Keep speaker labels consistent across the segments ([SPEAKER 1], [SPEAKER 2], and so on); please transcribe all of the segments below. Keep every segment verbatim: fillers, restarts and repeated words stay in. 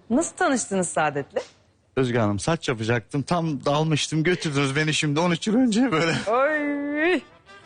[SPEAKER 1] Nasıl tanıştınız Saadet'le?
[SPEAKER 2] Özge Hanım saç yapacaktım. Tam dalmıştım, götürdünüz beni şimdi on üç yıl önce böyle.
[SPEAKER 1] Ay.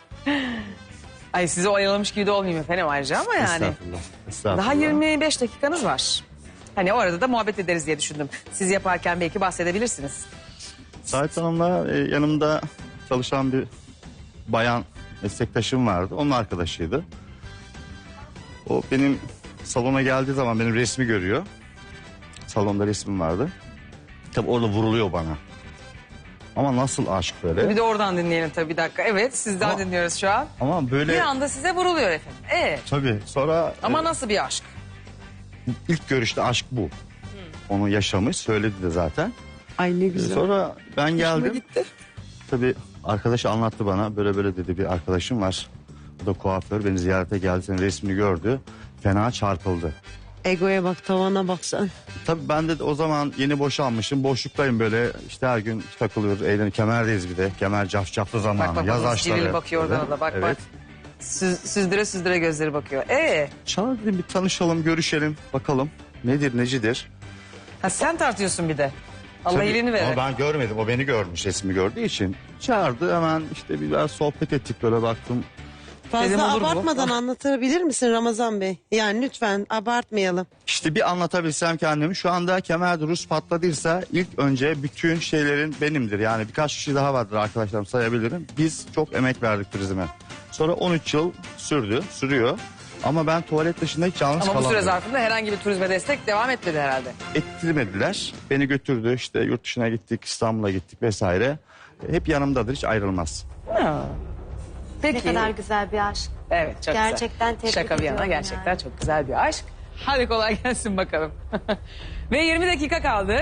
[SPEAKER 1] Ay sizi oyalamış gibi de olmayayım efendim ayrıca ama yani.
[SPEAKER 2] Estağfurullah. Estağfurullah.
[SPEAKER 1] Daha yirmi beş dakikanız var. Hani o arada da muhabbet ederiz diye düşündüm. Siz yaparken belki bahsedebilirsiniz.
[SPEAKER 2] Sait Hanım'la e, yanımda çalışan bir bayan meslektaşım vardı. Onun arkadaşıydı. O benim salona geldiği zaman benim resmi görüyor. Salonda resmim vardı. Tabii orada vuruluyor bana. Ama nasıl aşk böyle?
[SPEAKER 1] Bir de oradan dinleyelim tabii bir dakika. Evet sizden
[SPEAKER 2] Ama-
[SPEAKER 1] dinliyoruz şu an.
[SPEAKER 2] Ama böyle
[SPEAKER 1] Bir anda size vuruluyor efendim. Ee,
[SPEAKER 2] tabii sonra
[SPEAKER 1] ama
[SPEAKER 2] e,
[SPEAKER 1] nasıl bir aşk?
[SPEAKER 2] ilk görüşte aşk bu. Onu yaşamış, söyledi de zaten.
[SPEAKER 3] Ay ne güzel.
[SPEAKER 2] Sonra ben geldim.
[SPEAKER 3] gitti.
[SPEAKER 2] Tabii arkadaş anlattı bana. Böyle böyle dedi, bir arkadaşım var. O da kuaför, beni ziyarete geldi, senin resmini gördü. Fena çarpıldı.
[SPEAKER 3] Egoya bak, tavana bak sen.
[SPEAKER 2] Tabii ben de o zaman yeni boşanmışım. Boşluktayım böyle. İşte her gün takılıyoruz. Eğlen kemerdeyiz bir de. Kemer cafcaflı zamanı.
[SPEAKER 1] Bak bak
[SPEAKER 2] Yaz
[SPEAKER 1] bak
[SPEAKER 2] aşkları.
[SPEAKER 1] civil bakıyor oradan da bak
[SPEAKER 2] Evet.
[SPEAKER 1] bak. Süz, süzdüre süzdüre gözleri bakıyor. Ee,
[SPEAKER 2] Çağır dedim, bir tanışalım, görüşelim. Bakalım nedir, necidir.
[SPEAKER 1] ha sen tartıyorsun bir de. Allah
[SPEAKER 2] Tabii,
[SPEAKER 1] iyiliğini verir.
[SPEAKER 2] Ama ben görmedim. O beni görmüş, resmi gördüğü için. Çağırdı, hemen işte biraz sohbet ettik, böyle baktım.
[SPEAKER 1] Dedim,
[SPEAKER 3] Fazla
[SPEAKER 1] olur bu.
[SPEAKER 3] abartmadan anlatabilir misin Ramazan Bey? Yani lütfen abartmayalım.
[SPEAKER 2] İşte bir anlatabilsem kendimi, şu anda kemerde Rus patladıysa ilk önce bütün şeylerin benimdir. Yani birkaç kişi daha vardır arkadaşlarım, sayabilirim. Biz çok emek verdik turizme. Sonra on üç yıl sürdü, sürüyor. Ama ben tuvalet dışında hiç yalnız
[SPEAKER 1] Ama bu
[SPEAKER 2] kalamıyorum.
[SPEAKER 1] süre zarfında herhangi bir turizme destek devam etmedi herhalde.
[SPEAKER 2] Ettirmediler. Beni götürdü, işte yurt dışına gittik, İstanbul'a gittik vesaire. Hep yanımdadır, hiç ayrılmaz.
[SPEAKER 1] Ha. Peki.
[SPEAKER 4] Ne kadar güzel bir aşk.
[SPEAKER 1] Evet çok
[SPEAKER 4] Gerçekten
[SPEAKER 1] güzel.
[SPEAKER 4] tebrik
[SPEAKER 1] Şaka bir yana
[SPEAKER 4] ediyorum
[SPEAKER 1] gerçekten
[SPEAKER 4] yani.
[SPEAKER 1] çok güzel bir aşk. Hadi kolay gelsin bakalım. Ve yirmi dakika kaldı.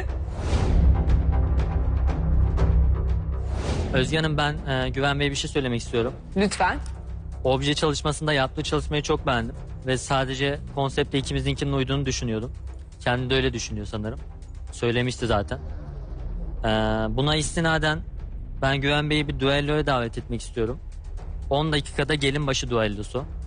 [SPEAKER 5] Özge Hanım, ben e, Güven Bey'e bir şey söylemek istiyorum.
[SPEAKER 1] Lütfen.
[SPEAKER 5] Obje çalışmasında yaptığı çalışmayı çok beğendim. Ve sadece konsepte ikimizinkinin uyduğunu düşünüyordum. Kendi de öyle düşünüyor sanırım. Söylemişti zaten. E, buna istinaden ben Güven Bey'i bir düelloya davet etmek istiyorum. on dakikada gelin başı düellosu.